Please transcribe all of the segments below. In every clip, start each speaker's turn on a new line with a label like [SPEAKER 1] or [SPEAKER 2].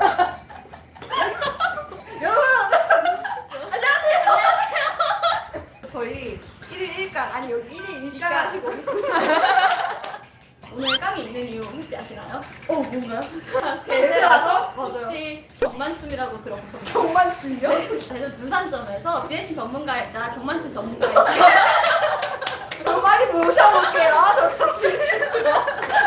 [SPEAKER 1] 여러분 안녕하세요. 저희 1일 1강 아니 여기 1일 1강 하시고 있습니다.
[SPEAKER 2] 오늘 깡이 있는 이유 혹시 아시나요?
[SPEAKER 1] 뭔가요? 대세라서? 맞아요.
[SPEAKER 2] 혹시 경만춤이라고 들어보셨나요?
[SPEAKER 1] 경만춤이요?
[SPEAKER 2] 대전 두산점에서 비대칭 전문가이자 경만춤 전문가이자
[SPEAKER 1] 좀 많이 모셔볼게요. 저 진짜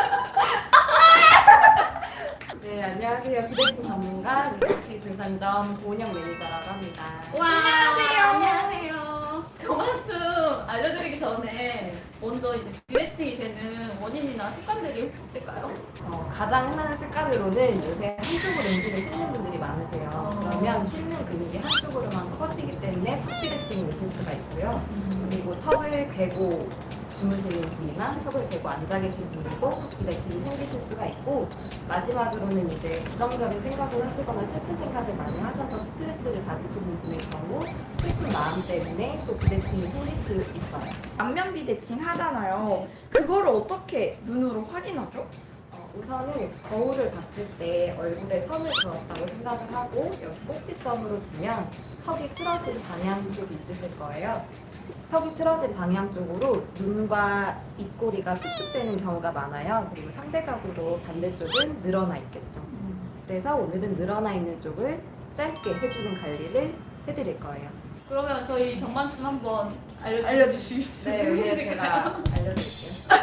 [SPEAKER 3] 네, 안녕하세요. 비대칭 전문가 미국티 두산점 고은영 매니저라고 합니다.
[SPEAKER 2] 와 안녕하세요. 경만춤 알려드리기 전에 먼저 이제 비대칭이 되는 원인이나 습관들이 혹시 있을까요?
[SPEAKER 3] 가장 흔한 습관으로는 요새 한쪽으로 음식을 씹는 분들이 많으세요. 그러면 씹는 근육이 한쪽으로만 커지기 때문에 턱비대칭이 오실 수가 있고요. 그리고 턱을 괴고 주무시는 분이나 턱을 괴고 앉아 계신 분들도 턱비대칭이 생기실 수가 있고, 마지막으로는 이제 부정적인 생각을 하시거나 슬픈 생각을 많이 하셔서 스트레스를 받으시는 분의 경우 슬픈 마음 때문에 또 비대칭이 생길 수 있어요.
[SPEAKER 4] 안면 비대칭 하잖아요. 그거를 어떻게 눈으로 확인하죠?
[SPEAKER 3] 우선은 거울을 봤을 때 얼굴에 선을 그었다고 생각을 하고 여기 꼭지점으로 두면 턱이 틀어진 방향 쪽이 있으실 거예요. 턱이 틀어진 방향 쪽으로 눈과 입꼬리가 수축되는 경우가 많아요. 그리고 상대적으로 반대쪽은 늘어나 있겠죠. 그래서 오늘은 늘어나 있는 쪽을 짧게 해주는 관리를 해드릴 거예요.
[SPEAKER 2] 그러면 저희 경만춤 한번
[SPEAKER 1] 알려주실 수
[SPEAKER 3] 네,
[SPEAKER 1] 있어요?
[SPEAKER 3] 여기 제가 알려드릴게요.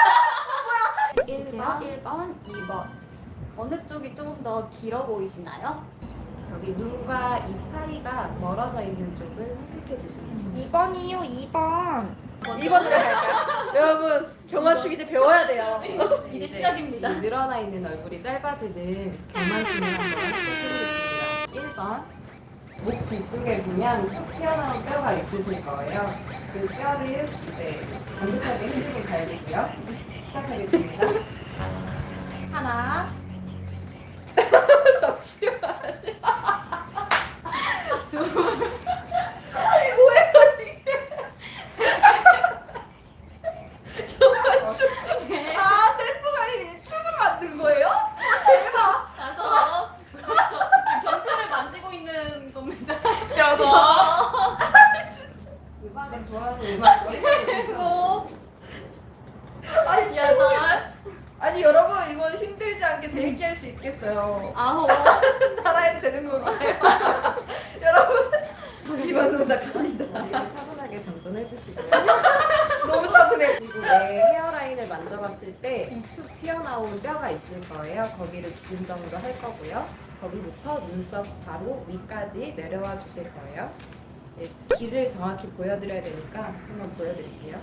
[SPEAKER 3] 1번, 2번.
[SPEAKER 2] 어느 쪽이 조금 더 길어 보이시나요?
[SPEAKER 3] 여기 눈과 입 사이가 멀어져 있는 쪽을 선택해 주시면 돼요.
[SPEAKER 4] 2번이요, 2번.
[SPEAKER 1] 2번으로 갈까요? 여러분 경만춤 이제 배워야 돼요.
[SPEAKER 2] 이제 시작입니다.
[SPEAKER 3] 이 늘어나 있는 얼굴이 짧아지는 경만춤을 한번 해보겠습니다. 1번. 목 뒤쪽에 보면 툭 튀어나온 뼈가 있으실 거예요. 그 뼈를 이제 반듯하게 해주는 관리고요. 시작하겠습니다.
[SPEAKER 2] 하나,
[SPEAKER 1] 잠시만요. 아니 뭐예요 이게? 경만춤. 아 셀프 관리 춤으로 만든 거예요? 대박.
[SPEAKER 2] 다섯. 그렇죠. 경추를 만지고 있는 겁니다.
[SPEAKER 1] 여섯.
[SPEAKER 3] 음악을 좋아하는 음악을
[SPEAKER 2] 일곱,
[SPEAKER 1] 아니 춤을
[SPEAKER 2] 여덟,
[SPEAKER 1] 아니 여러분 이거 힘들지 않게 재밌게 할 수 있겠어요.
[SPEAKER 2] 아홉.
[SPEAKER 1] 따라해도 되는 건가요? 여러분 이번 동작 갑니다.
[SPEAKER 3] 차분하게 정돈해 주시고요.
[SPEAKER 1] 너무 차분해.
[SPEAKER 3] 그리고 내 헤어라인을 만져봤을 때 툭 튀어나온 뼈가 있을 거예요. 거기를 기준점으로 할 거고요. 거기부터 눈썹 바로 위까지 내려와 주실 거예요. 네, 귀를 정확히 보여드려야 되니까 한번 보여드릴게요.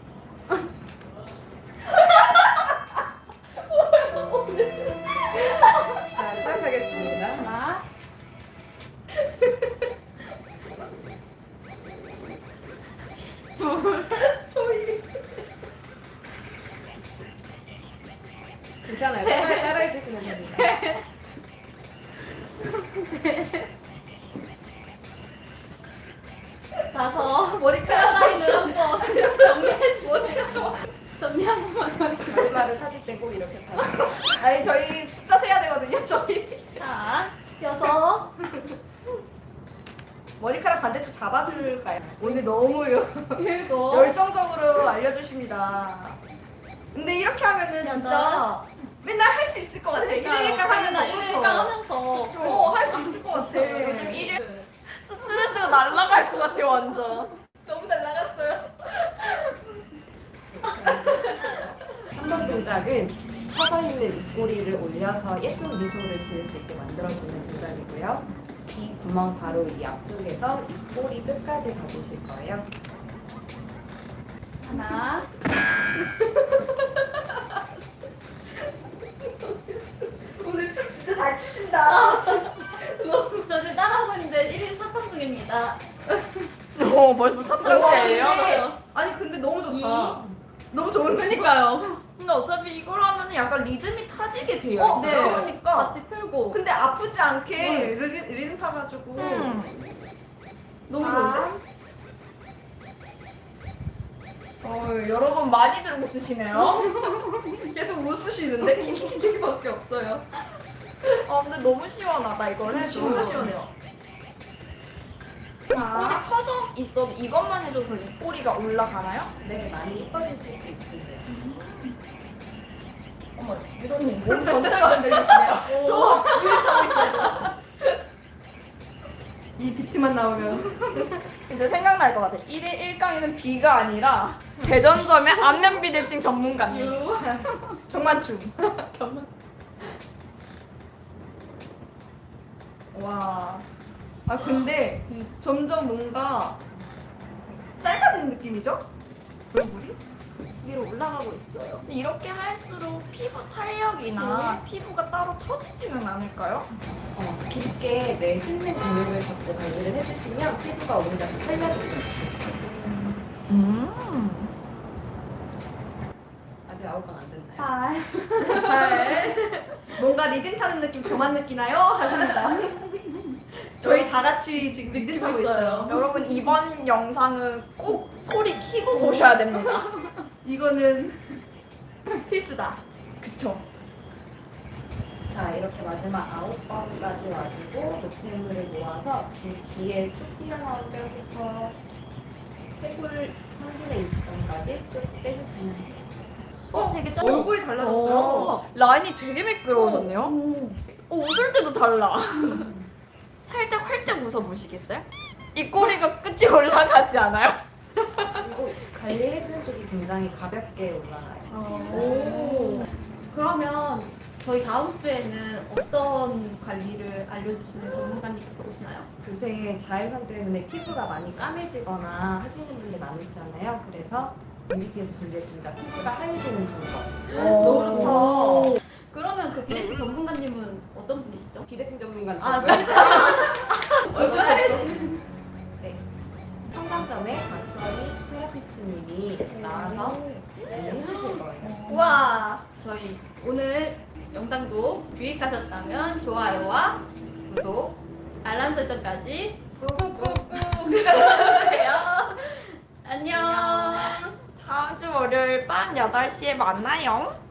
[SPEAKER 3] 자, 시작하겠습니다.
[SPEAKER 2] 하나,
[SPEAKER 1] 저희
[SPEAKER 3] 괜찮아요. 따라해 주시면 됩니다.
[SPEAKER 2] 다섯.
[SPEAKER 1] 머리카락
[SPEAKER 2] 라인을 한번 정리 한 번만 더 해주세요.
[SPEAKER 3] 머리말을 사질 때 꼭 이렇게 타요.
[SPEAKER 1] 아니 저희 숫자 세야 되거든요. 저희
[SPEAKER 2] 자, 여섯.
[SPEAKER 1] 머리카락 반대쪽 잡아줄까요? 오늘 너무
[SPEAKER 2] 일곱.
[SPEAKER 1] 열정적으로 알려주십니다. 근데 이렇게 하면은 진짜 맨날 할 수 있을 것 같아.
[SPEAKER 2] 그러니까요.
[SPEAKER 1] 1일강 하면서
[SPEAKER 2] 일일강 하면서
[SPEAKER 1] 할 수 있을 것 같아.
[SPEAKER 2] 요즘 스트레스가 날아갈 것 같아요, 완전.
[SPEAKER 1] 너무 날라갔어요.
[SPEAKER 3] 3번 동작은 서져 있는 입꼬리를 올려서 예쁜 미소를 지을 수 있게 만들어주는 동작이고요. 귀 구멍 바로 이 앞쪽에서 입꼬리 끝까지 가주실 거예요.
[SPEAKER 2] 하나,
[SPEAKER 1] 오늘 춤 진짜 잘 추신다.
[SPEAKER 2] 저 지금 따라하고 있는데 1일 4판 중입니다.
[SPEAKER 4] 벌써
[SPEAKER 1] 아니 근데 너무 좋다. 너무 좋은데?
[SPEAKER 2] 그러니까요.
[SPEAKER 4] 근데 어차피 이걸 하면 약간 리듬이 타지게 돼요.
[SPEAKER 1] 어,
[SPEAKER 2] 네.
[SPEAKER 1] 그러니까.
[SPEAKER 2] 같이 틀고.
[SPEAKER 1] 근데 아프지 않게 리듬 타가지고 너무 좋은데?
[SPEAKER 4] 여러분 많이들 웃으시네요.
[SPEAKER 1] 계속 웃으시는데? 킥킥킥밖에 없어요.
[SPEAKER 4] 근데 너무 시원하다 이걸 해도.
[SPEAKER 1] 진짜 시원해요.
[SPEAKER 4] 꼬리 터져 있어도 이것만 해줘도 이 꼬리가 올라가나요?
[SPEAKER 3] 네, 많이 이뻐지실 수 있으세요.
[SPEAKER 4] 어머, 유로님 몸 전체가 흔들리시네요.
[SPEAKER 1] 저 밀타고 있어요. 이 비트만 나오면
[SPEAKER 4] 이제 생각날 것 같아. 1일 1강에는 B가 아니라 대전점의 안면 비대칭 전문가님.
[SPEAKER 1] 경만춤.
[SPEAKER 2] 경만.
[SPEAKER 1] 와. 아 근데 점점 뭔가 짧아지는 느낌이죠? 얼굴이?
[SPEAKER 2] 위로 올라가고 있어요.
[SPEAKER 4] 근데 이렇게 할수록 피부 탄력이나 피부가 따로 처지지는 않을까요?
[SPEAKER 3] 깊게 내 실내 근육을 잡고 관리를 해주시면 피부가 오히려 더 탄력이 있어요. 아직 아홉 번 안 됐나요?
[SPEAKER 2] 아,
[SPEAKER 1] 뭔가 리듬 타는 느낌 저만 느끼나요? 하십니다. 저희 다 같이 지금 리듬 타고 있어요.
[SPEAKER 4] 여러분 이번 영상은 꼭 소리 키고 보셔야 됩니다.
[SPEAKER 1] 이거는 필수다.
[SPEAKER 4] 그쵸?
[SPEAKER 3] 자, 이렇게 마지막 9번까지 와주고 노폐물을 모아서 그 뒤에 쭉 튀어나온 뼈부터 쇄골 3분의 2점까지 쭉 빼주시면 돼요.
[SPEAKER 2] 되게 짧아.
[SPEAKER 1] 얼굴이 달라졌어요.
[SPEAKER 4] 라인이 되게 매끄러워졌네요.
[SPEAKER 2] 오.
[SPEAKER 4] 웃을 때도 달라. 살짝 활짝 웃어보시겠어요? 이 꼬리가 끝이 올라가지 않아요?
[SPEAKER 3] 그리고 관리해주는 쪽이 굉장히 가볍게 올라가요.
[SPEAKER 2] 오. 그러면 저희 다음 주에는 어떤 관리를 알려주시는 전문가님께서 오시나요?
[SPEAKER 3] 요새 자외선 때문에 피부가 많이 까매지거나 하시는 분들이 많으시잖아요. 그래서 뷰티에서 준비했습니다. 피부가 하얘지는 방법.
[SPEAKER 1] 너무 좋다.
[SPEAKER 2] 그러면 그 비대칭 전문가님은 어떤 분이시죠?
[SPEAKER 3] 비대칭 전문가
[SPEAKER 2] 아,
[SPEAKER 3] 저고요.
[SPEAKER 1] 어쩔 수 없어.
[SPEAKER 3] 네. 청담점의 박선희 테라피스트님이 나와서 해주실 거예요.
[SPEAKER 1] 와.
[SPEAKER 2] 저희 오늘 영상도 유익하셨다면 좋아요와 구독, 알람 설정까지 꾹꾹꾹꾹 눌러주세요. 안녕.
[SPEAKER 4] 다음 주 월요일 밤 8시에 만나요.